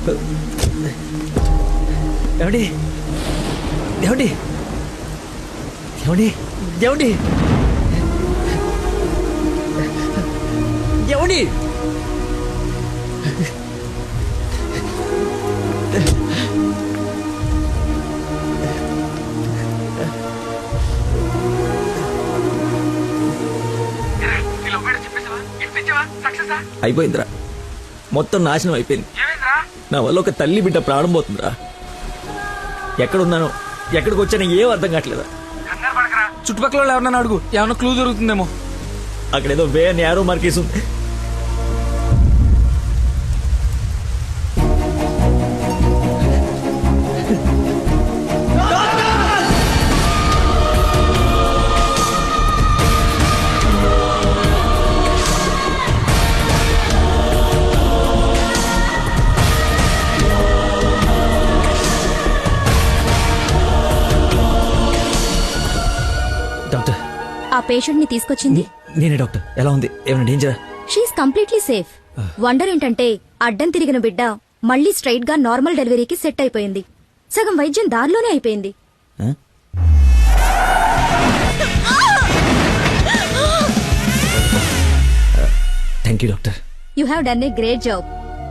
ఏమండి ఏమండి ఏమండి ఏమండి ఏమండి అయిపోయిందిరా, మొత్తం నాశనం అయిపోయింది. నా వల్ల ఒక తల్లి బిడ్డ ప్రాణం పోతుందిరా. ఎక్కడున్నాను, ఎక్కడికి వచ్చానో ఏం అర్థం కావట్లేదా. చుట్టుపక్కల ఎవరన్నా అడుగు, ఏమన్నా క్లూ దొరుకుతుందేమో. అక్కడేదో వే నేరో మార్కేసి ఉంది. డాక్టర్, ఆ పేషెంట్ ని తీసుకొచ్చింది నేనే డాక్టర్. ఎలా ఉంది, ఏమైనా డేంజరా? She's completely safe. వండర్ ఏంటంటే అడ్డం తిరిగిన బిడ్డ మళ్ళీ స్ట్రైట్ గా నార్మల్ డెలివరీకి సెట్ అయిపోయింది. సగం వైద్యం దారిలోనే అయిపోయింది. Thank you doctor. You have done a great job.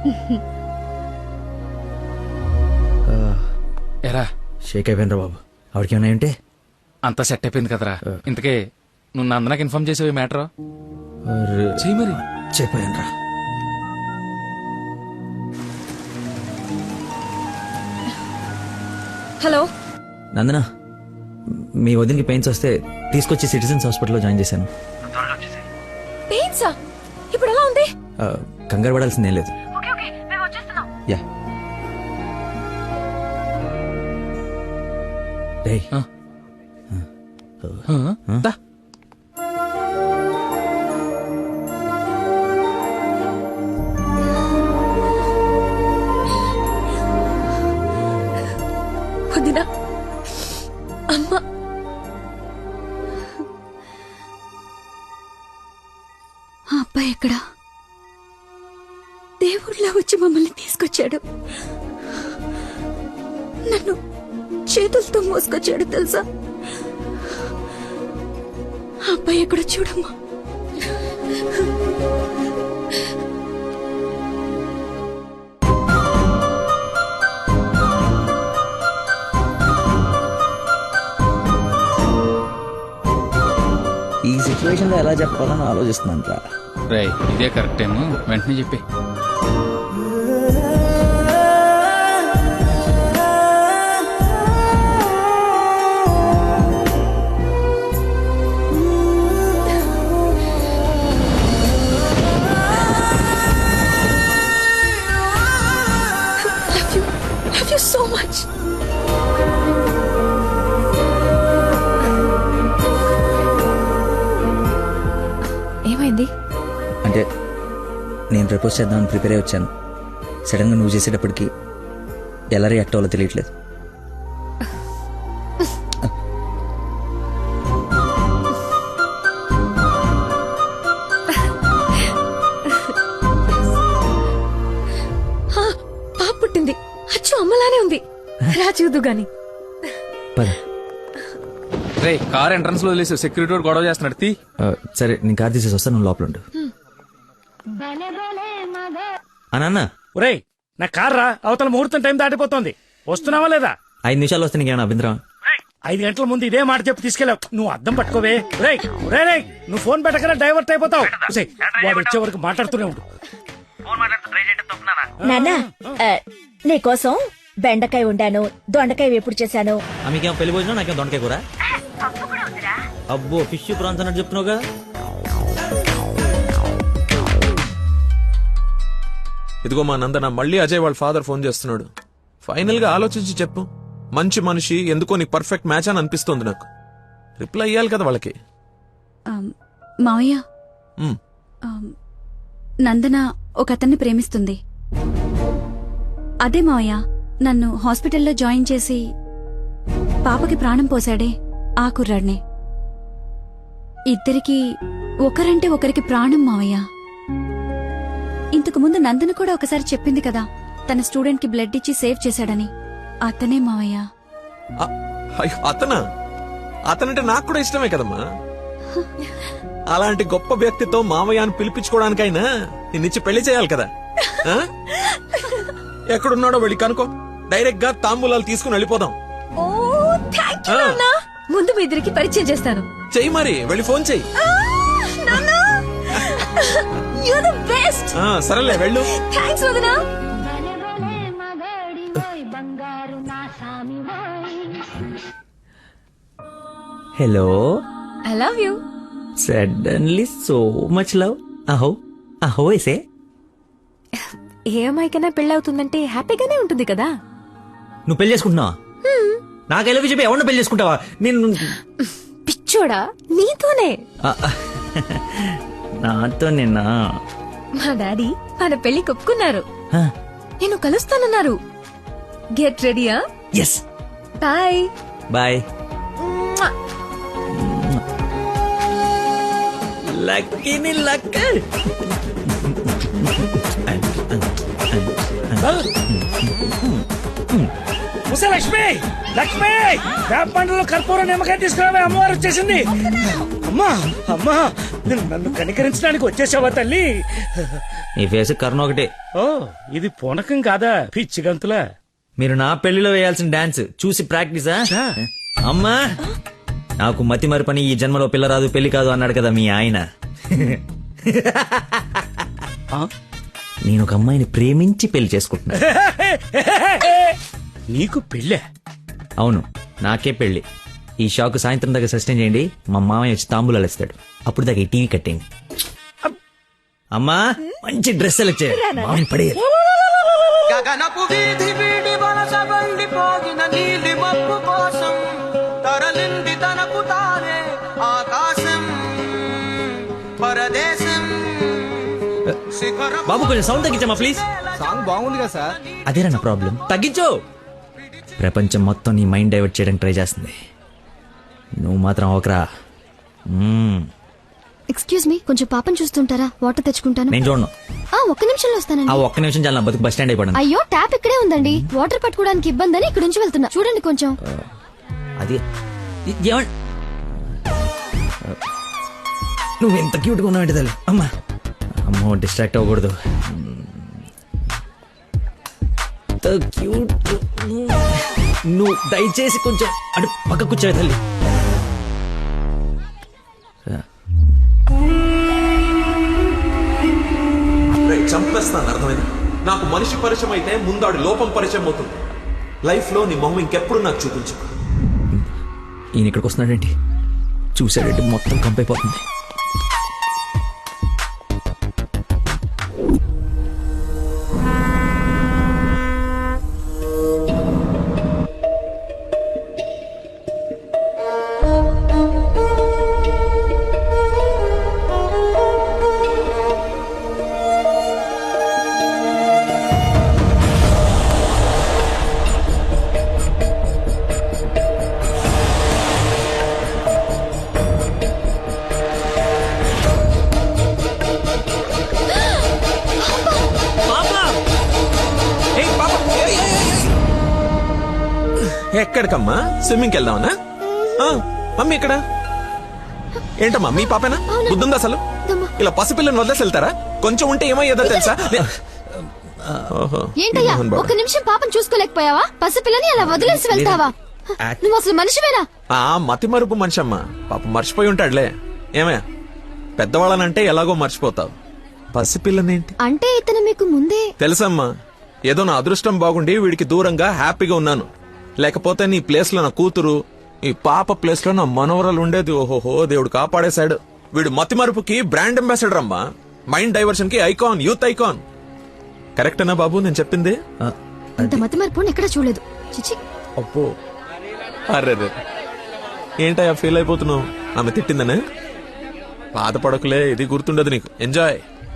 ఎరా షేక్ అయిపోయినరా బాబు. ఆవిడకి ఏమైనా ఉంటే అంతా సెట్ అయిపోయింది కదరా. ఇంతకే నువ్వు నందనకి ఇన్ఫార్మ్ చేసేవి మ్యాటర్ చెయ్యి మరి. చెప్పాను. హలో నందన, మీ వదినకి పెయిన్స్ వస్తే తీసుకొచ్చి సిటిజన్స్ హాస్పిటల్లో జాయిన్ చేశాను. పెయిన్సా? ఇప్పుడు ఎలా ఉంది? కంగారు పడాల్సిందేం లేదు. యా రేయ్, దా. వదినా, అమ్మ, ఆ అబ్బాయి ఎక్కడా? దేవుళ్ళ వచ్చి మమ్మల్ని తీసుకొచ్చాడు. నన్ను చేతులతో మోసుకొచ్చాడు తెలుసా? ఆ అబ్బాయి ఎక్కడ చూడమ్మా. ఈ సిచ్యువేషన్ లో ఎలా చెప్పాలని ఆలోచిస్తున్నాను రా. రేయ్, ఇదే కరెక్ట్ టైం, వెంటనే చెప్పి. Love you so much. ఏమైంది? అంటే నేను ప్రపోజ్ చేద్దామని ప్రిపేర్ అయి వచ్చాను. సడన్ గా నువ్వు చేసేటప్పటికి ఎలా రియాక్ట్ అవ్వాలో తెలియట్లేదు. పాప పుట్టింది, అచ్చు అమ్మలానే ఉంది. రా చూదు గాని. పద. రే, కార్ ఎంట్రన్స్ లో వదిలేసి సెక్యూరిటీ వాడు గొడవ చేస్తున్నాడు. తీ. సరే, నేను కార్ తీసేసి వస్తాను, నువ్వు లోపల ఉండు. అన్న, ఒరేయ్, నా కార్ రా, అవతల ముహూర్తం టైం దాటిపోతుంది. వస్తున్నావా లేదా? 5 నిమిషాలు వస్తే నీకేమైనా అభ్యంతరం? 5 గంటల ముందు ఇదే మాట చెప్పి తీసుకెళ్ళావు. నువ్వు అద్దం పట్టుకోవే. రేయ్ రేయ్, నువ్వు ఫోన్ పెట్టకరా డైవర్ట్ అయిపోతావు. వాడు వచ్చే వరకు మాట్లాడుతూనే ఉండు. నాన్నా, నీకోసం బెండకాయ ఉండాను, దొండకాయ వేపుడు చేశాను. మీకేమో పెళ్లి భోజనం, నాకేం దొండకాయ కూర. అబ్బో, ఫిష్ ప్రాన్స్ అన్నట్టు చెప్తున్నావు కదా. ఇదిగో మా నందన, మళ్ళీ అజయ్ వాళ్ళ ఫాదర్ ఫోన్ చేస్తున్నాడు. ఫైనల్ గా ఆలోచించి చెప్పు. మంచి మనిషి, ఎందుకో నీకు పర్ఫెక్ట్ మ్యాచ్ అని అనిపిస్తుంది నాకు. రిప్లై ఇయ్యాలి కదా వాళ్ళకి. మావయ్య, నందన ఒక అతన్ని ప్రేమిస్తుంది. అదే మావయ్య, నన్ను హాస్పిటల్లో జాయిన్ చేసి పాపకి ప్రాణం పోశాడే ఆ కుర్రాడినే. ఇద్దరికి ఒకరంటే ఒకరికి ప్రాణం మావయ్య. ఇంతకు ముందు నందన కూడా ఒకసారి చెప్పింది కదా, తన స్టూడెంట్ కి బ్లడ్ ఇచ్చి సేవ్ చేశాడని. అతనే మావయ్య. అయ్యో, అతనంటే నాకు కూడా ఇష్టమే కదమ్మా. అలాంటి గొప్ప వ్యక్తితో మామయ్య అని పిలిపించుకోవడానికైనా నిన్నిచ్చి పెళ్లి చేయాలి కదా. ఆ? ఎక్కడున్నాడో వెళ్ళి కనుకో, డైరెక్ట్ గా తాంబూలాలు తీసుకుని వెళ్ళిపోదాం. ఓ థ్యాంక్ యూ నాన్న. ముందు మీ ఇద్దరికి పరిచయం చేస్తాను. చెయ్యి మరి, వెళ్ళి ఫోన్ చెయ్యి. You the best. సరేలే వెళ్ళు. థాంక్స్ వదనా. Hello. I love you. Suddenly so much love. అహో అహో ఎసే. ఏ అమ్మాయికైనా పెళ్ళవుతుందంటే హ్యాపీగానే ఉంటుంది కదా. నువ్వు పెళ్లి చేసుకుంటున్నావా? నాకు ఎలా చెప్పి ఎవరిని పెళ్లి చేసుకుంటావా? నేను పిచ్చోడా, నీతోనే. నాతో నిన్నా. మా డాడీ మన పెళ్లి ఒప్పుకున్నారు. నేను కలుస్తానన్నారు. గెట్ రెడీయా? ఎస్. Bye bye. లక్కీని లక్క. ఉసే లక్ష్మి, లక్ష్మి, వేప పండ్లలో కర్పూరం నిమ్మకాయ తీసుకురావే, అమ్మవారు వచ్చేసింది. అమ్మా అమ్మా, నన్ను కనికరించడానికి వచ్చేసావా తల్లి? నీ ఫేస్ కర్ణ ఒకటే. ఓ, ఇది పూనకం కాదా పిచ్చి గంతులా? మీరు నా పెళ్లిలో వేయాల్సిన డాన్స్ చూసి ప్రాక్టీసా? అమ్మా, నాకు మతి మరి పని ఈ జన్మలో పిల్ల రాదు పెళ్లి కాదు అన్నాడు కదా మీ ఆయన. నేను ఒక అమ్మాయిని ప్రేమించి పెళ్లి చేసుకుంటున్నా. నీకు పెళ్ళే? అవును, నాకే పెళ్లి. ఈ షాక్ సాయంత్రం దాకా సస్టైన్ చేయండి. మా మామయ్య వచ్చి తాంబూలాలు ఇస్తాడు. అప్పుడు దాకా ఈ టీవీ కట్టేయండి. అమ్మా, మంచి డ్రెస్ సెలెక్ట్ చేయాలి. మామయ్యని పడేయాలి. గగనపు వీధి వీడి వలస బండిపోగిన నీలి మబ్బు కోసం తరలింది తనకు తానే ఆకాశం పరదేశం శిఖరం. బాబు కొంచెం సౌండ్ తగ్గించమ్మా ప్లీజ్. సాంగ్ బాగుంది కదా సార్. అదేనా నా ప్రాబ్లం? తగ్గించు. ప్రపంచం మొత్తం నీ మైండ్ డైవర్ట్ చేయడానికి ట్రై చేస్తుంది. నువ్వు మాత్రం ఒకరా. ఎక్స్క్యూజ్ మీ, కొంచెం పాపం చూస్తుంటారా? వాటర్ తెచ్చుకుంటాను. నేను చూడను. ఒక్క నిమిషంలో వస్తానండి. ఆ ఒక్క నిమిషం చాలా నా బతుకు బస్ స్టాండ్ అయిపోయింది. అయ్యో, ట్యాప్ ఇక్కడే ఉందండి. వాటర్ పట్టుకోవడానికి ఇబ్బంది అని ఇక్కడ నుంచి వెళ్తున్నా. చూడండి కొంచెం. అది నువ్వు ఎంత క్యూట్గా ఉన్నావు తల్లి. అమ్మా అమ్మో, డిస్ట్రాక్ట్ అవ్వకూడదు. క్యూట్. నువ్వు దయచేసి కొంచెం అటు పక్క కూర్చోవే తల్లి. చంపేస్తాను, అర్థమైంది? నాకు మనిషి పరిచయం అయితే ముందాడు లోపం పరిచయం అవుతుంది. లైఫ్ లో నీ మొహం ఇంకెప్పుడు నాకు చూపించు. ఈయన ఇక్కడికి వస్తున్నాడేంటి? చూసాడంటే మొత్తం కంపైపోతుంది. ఎక్కడికమ్మా? స్విమ్మింగ్కి వెళ్దామనా? మమ్మీ ఇక్కడ ఏంటమ్మా? మీ పాపేనా? బుద్ధుందా అసలు? ఇలా పసిపిల్లని వదిలేసి వెళ్తారా? కొంచెం ఉంటే ఏమయ్యేదో తెలుసా? ఏంటయ్యా, ఒక్క నిమిషం పాపం చూసుకోలేకపోయావా? పసిపిల్లని అలా వదిలేసి వెళ్తావా? నువ్వు అసలు మనిషివేనా? మతి మరుపు మనిషి అమ్మా. పాప మర్చిపోయి ఉంటాడులే. ఏమయ్యా, పెద్దవాళ్ళనంటే ఎలాగో మర్చిపోతావు. పసిపిల్లనేంటి అంటే ఇతను మీకు ముందే తెలుసమ్మా. ఏదో నా అదృష్టం బాగుండి వీడికి దూరంగా హ్యాపీగా ఉన్నాను. లేకపోతే నీ ప్లేస్ లో నా కూతురు, ఈ పాప ప్లేస్ లో నా మనవరాలు ఉండేది. ఓహోహో, దేవుడు కాపాడేశాడు. వీడు మతి మరుపుకి బ్రాండ్ అంబాసిడర్ అమ్మా. మైండ్ డైవర్షన్ కి ఐకాన్, యూత్ ఐకాన్. కరెక్టేనా బాబు నేను చెప్పింది? ఇంత మతి మార్పు ఎక్కడ చూడలేదు. చిచి. అబ్బో, అర్రే, ఏంటయ్యా ఫీల్ అయిపోతున్నావు? ఆమె తిట్టిందనే? బాధపడకులే, ఇది గుర్తుండదు నీకు. ఎంజాయ్.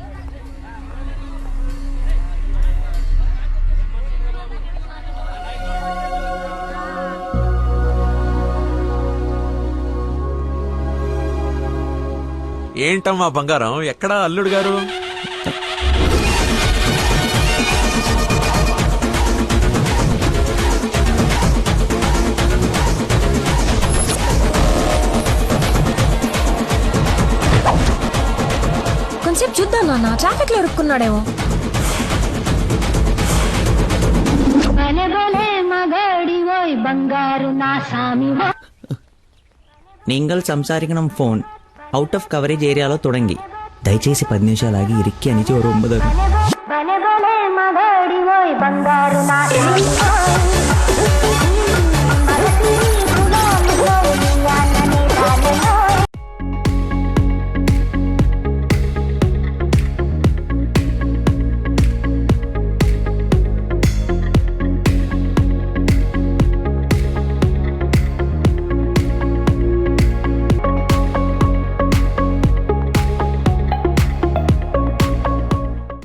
ఏంటమ్మా బంగారం, ఎక్కడా అల్లుడు గారు? నాన్న ట్రాఫిక్ లో ఇరుక్కున్నాడేమో. നിങ്ങൾ സംസാരിക്കണം ഫോൺ ഔട്ട് ഓഫ് കവറേജ് ഏരിయాలో തുടങ്ങി దయచేసి 10 నిమిషాలు ఆగి ఇరిక్కి అని 9